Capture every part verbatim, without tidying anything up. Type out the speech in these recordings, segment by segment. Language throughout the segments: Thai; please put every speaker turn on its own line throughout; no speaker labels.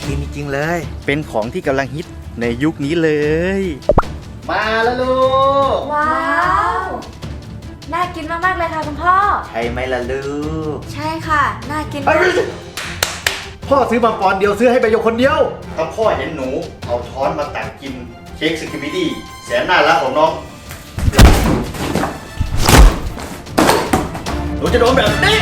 กินจริงๆเลยเป็นของที่กำลังฮิตในยุคนี้เลยมาแล้วลูก
ว้าวน่ากินมากๆเลยค่ะคุณพ่อ
ใช่ไหมล่ะลูก
ใช่ค่ะน่ากิน
พ่อซื้อมาปอนเดียวซื้อให้ใบหยกคนเดียวถ้าพ่อเห็นหนูเอาช้อนมาตักกินเค้กสกิปปี้ดี้แสนน่ารักของน้องหนูจะโดนแบบนี้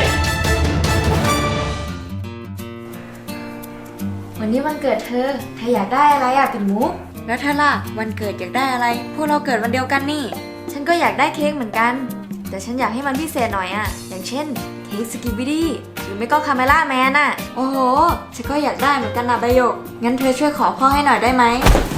วันนี้วันเกิดเธอเธออยากได้อะไรอ่ะปิ่นมุกแล้วเธอล่ะวันเกิดอยากได้อะไรพวกเราเกิดวันเดียวกันนี่ฉันก็อยากได้เค้กเหมือนกันแต่ฉันอยากให้มันพิเศษหน่อยอ่ะอย่างเช่นเค้กสกิปปี้ดี้หรือไม่ก็คาเมล่าแมนอ่ะโอ้โหฉันก็อยากได้เหมือนกันนะใบหยกงั้นเธอช่วยขอพ่อให้หน่อยได้ไหม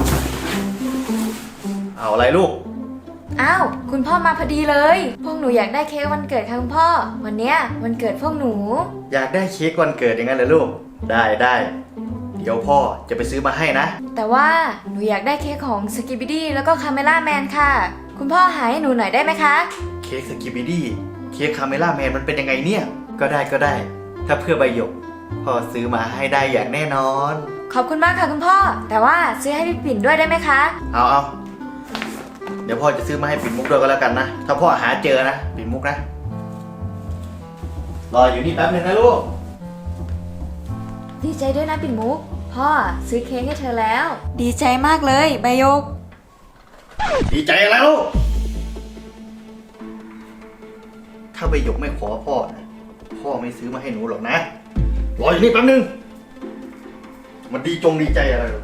เอาอะไรลูก
อ้าวคุณพ่อมาพอดีเลยพวกหนูอยากได้เค้กวันเกิดค่ะคุณพ่อวันเนี้ยวันเกิดพวกหนู
อยากได้เค้กวันเกิดอย่างนั้นเหรอลูกได้ได้เดี๋ยวพ่อจะไปซื้อมาให้นะ
แต่ว่าหนูอยากได้เค้กของสกิปปี้ดี้แล้วก็คาเมล่าแมนค่ะคุณพ่อหาให้หนูหน่อยได้ไหมคะ
เค้กสกิปปี้ดี้เค้กคาเมล่าแมนมันเป็นยังไงเนี่ยก็ได้ก็ได้ถ้าเพื่อใบหยกพ่อซื้อมาให้ได้อย่างแน่นอน
ขอบคุณมากค่ะคุณพ่อแต่ว่าซื้อให้พี่ปิ่นด้วยได้ไหมคะ
เอาเอาเดี๋ยวพ่อจะซื้อมาให้ปิ่นมุกด้วยก็แล้วกันนะถ้าพ่อหาเจอนะปิ่นมุกนะรออยู่นี่แป๊บนึงนะลูก
ดีใจด้วยนะปิ่นมุกพ่อซื้อเค้กให้เธอแล้วดีใจมากเลยใบหยก
ดีใจอะไรลูกถ้าใบหยกไม่ขอพ่อนะพ่อไม่ซื้อมาให้หนูหรอกนะรออยู่นี่แป๊บนึงมันดีจงดีใจอะไรหรอ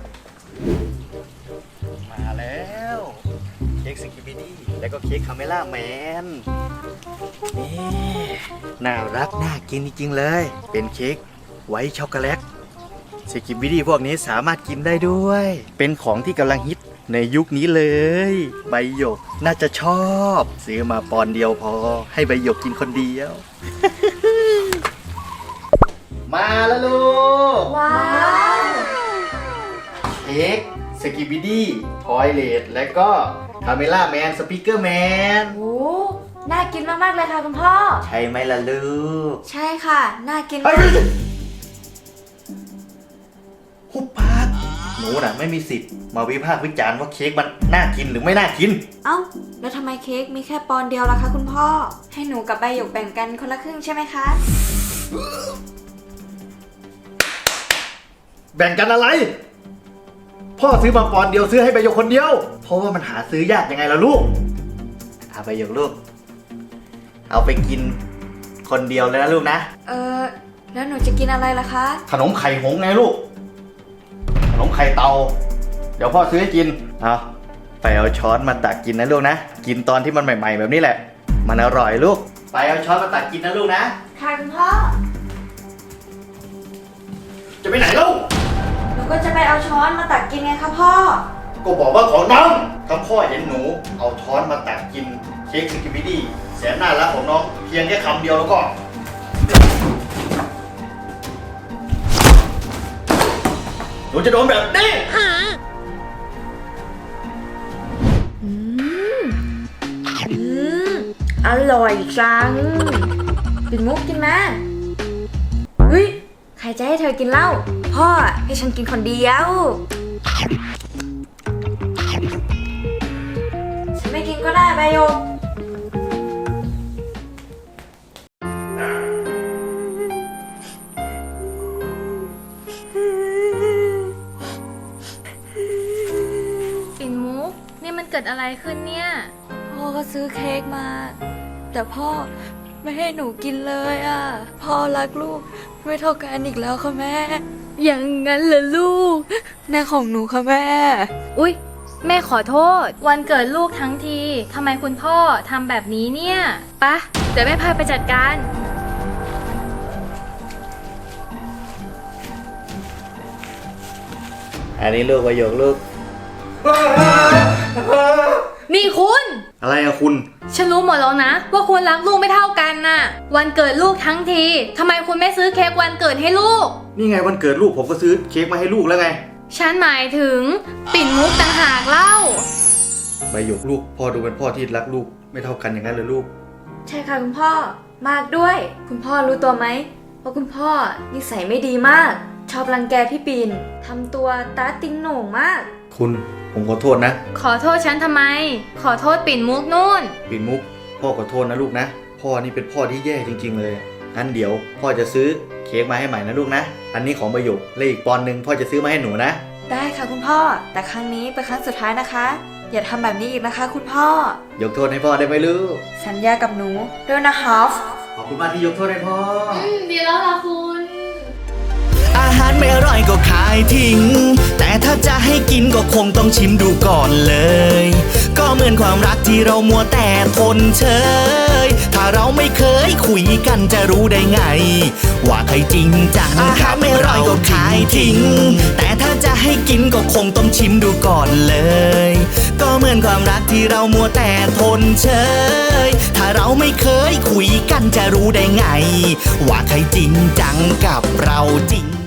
มาแล้วเค้กสกิปปี้ดี้แล้วก็เค้กคาเมล่าแมนนี่น่ารักน่ากินจริงๆเลยเป็นเค้กไวท์ช็อกโกแลตสกิปปี้ดี้พวกนี้สามารถกินได้ด้วยเป็นของที่กำลังฮิตในยุคนี้เลยใบหยกน่าจะชอบซื้อมาปอนเดียวพอให้ใบหยกกินคนเดียว มาแล้วลูก
ว้าว
เค้กสกิปปี้ดี้ทอยเลทและก็คาเมล่าแมนสปีกเกอร์แมน
โอ้น่ากินมากๆเลยค่ะคุณพ่อ
ใช่ไหมล่ะลูก
ใช่ค่ะน่ากิน
หุบปากหนูน่ะไม่มีสิทธิ์มาวิพากษ์วิจารณ์ว่าเค้กมันน่ากินหรือไม่น่ากิน
เอ้าแล้วทำไมเค้กมีแค่ปอนเดียวล่ะคะคุณพ่อให้หนูกับใบหยกแบ่งกันคนละครึ่งใช่ไหมคะ
แบ่งกันอะไรพ่อซื้อมาปอนเดียวซื้อให้ใบหยกคนเดียวเพราะว่ามันหาซื้อยากยังไงล่ะลูกเอาใบหยกลูกเอาไปกินคนเดียวเลยนะลูกนะ
เออแล้วหนูจะกินอะไรล่ะคะ
ขนมไข่หงส์ไงลูกขนมไข่เตาเดี๋ยวพ่อซื้อให้กินเอาไปเอาช้อนมาตักกินนะลูกนะกินตอนที่มันใหม่ๆแบบนี้แหละมันอร่อยลูกไปเอาช้อนมาตักกินนะลูกนะ
ค่ะคุณพ่อ
จะไปไหนลูก
หนูก็จะไปเอาช้อนมาตักกินไงคะพ่อ
ก็บอกว่าของน้องถ้าพ่อเห็นหนูเอาช้อนมาตักกินเค้กสกิปปี้ดี้แสนน่ารักของน้องเพียงแค่คำเดียวแล้วก็หนูจะโดนแบบนี้
อืมอืมอร่อยจังปิ่นมุกกินมาเฮ้ยใครจะให้เธอกินเหล้าพ่อให้ฉันกินคนเดียวฉันไม่กินก็ได้ใบหยก
เกิดอะไรขึ้นเนี่ย
พ่อก็ซื้อเค้กมาแต่พ่อไม่ให้หนูกินเลยอ่ะพ่อรักลูกไม่เท่ากันอีกแล้วค่ะแม่
อย่างนั้นเหรอลูก
แม่ของหนูค่ะแม่
อุ๊ยแม่ขอโทษวันเกิดลูกทั้งทีทำไมคุณพ่อทำแบบนี้เนี่ยปะเดี๋ยวแม่พาไปจัดการ
อันนี้ลูกประโยคลูก
นี่คุณ
อะไรอะคุณ
ฉันรู้หมดแล้วนะว่าคุณรักลูกไม่เท่ากันน่ะวันเกิดลูกทั้งทีทำไมคุณไม่ซื้อเค้กวันเกิดให้ลูก
นี่ไงวันเกิดลูกผมก็ซื้อเค้กมาให้ลูกแล้วไง
ฉันหมายถึงปิ่นมุกต่างหากเล่า
ใบหยกลูกพ่อดูเป็นพ่อที่รักลูกไม่เท่ากันอย่างนั้นเลยลูก
ใช่ค่ะคุณพ่อมากด้วยคุณพ่อรู้ตัวไหมว่าคุณพ่อนิสัยไม่ดีมากชชอบรังแกพี่ปิ่นทำตัวตาติงโหน่งมาก
คุณผมขอโทษนะ
ขอโทษฉันทำไม ขอโทษปิ่นมุกนู่น
ปิ่นมุกพ่อขอโทษนะลูกนะ พ่อนี่เป็นพ่อที่แย่จริงๆเลยงั้นเดี๋ยวพ่อจะซื้อเค้กมาให้ใหม่นะลูกนะ อันนี้ของประโยคและอีกปอนด์หนึ่งพ่อจะซื้อมาให้หนูนะ
ได้ค่ะคุณพ่อ แต่ครั้งนี้เป็นครั้งสุดท้ายนะคะ อย่าทำแบบนี้อีกนะคะคุณพ่อ
ยกโทษให้พ่อได้ไหมลูก
สัญญากับหนูด้วยนะฮอฟ
ขอบคุณมากที่ยกโทษให้พ่อ
อืม ดีแล้วล่ะคุณ
อาหารไม่อร่อยก็ขายทิ้ง แต่ถ้าจะให้กินก็คงต้องชิมดูก่อนเลย ก็เหมือนความรักที่เรามัวแต่ทนเฉย ถ้าเราไม่เคยคุยกันจะรู้ได้ไง ว่าใครจริงจังอาหารไม่อร่อยก็ขายทิ้ง แต่ถ้าจะให้กินก็คงต้องชิมดูก่อนเลย ก็เหมือนความรักที่เรามัวแต่ทนเฉย ถ้าเราไม่เคยคุยกันจะรู้ได้ไง ว่าใครจริงจังกับเราจริง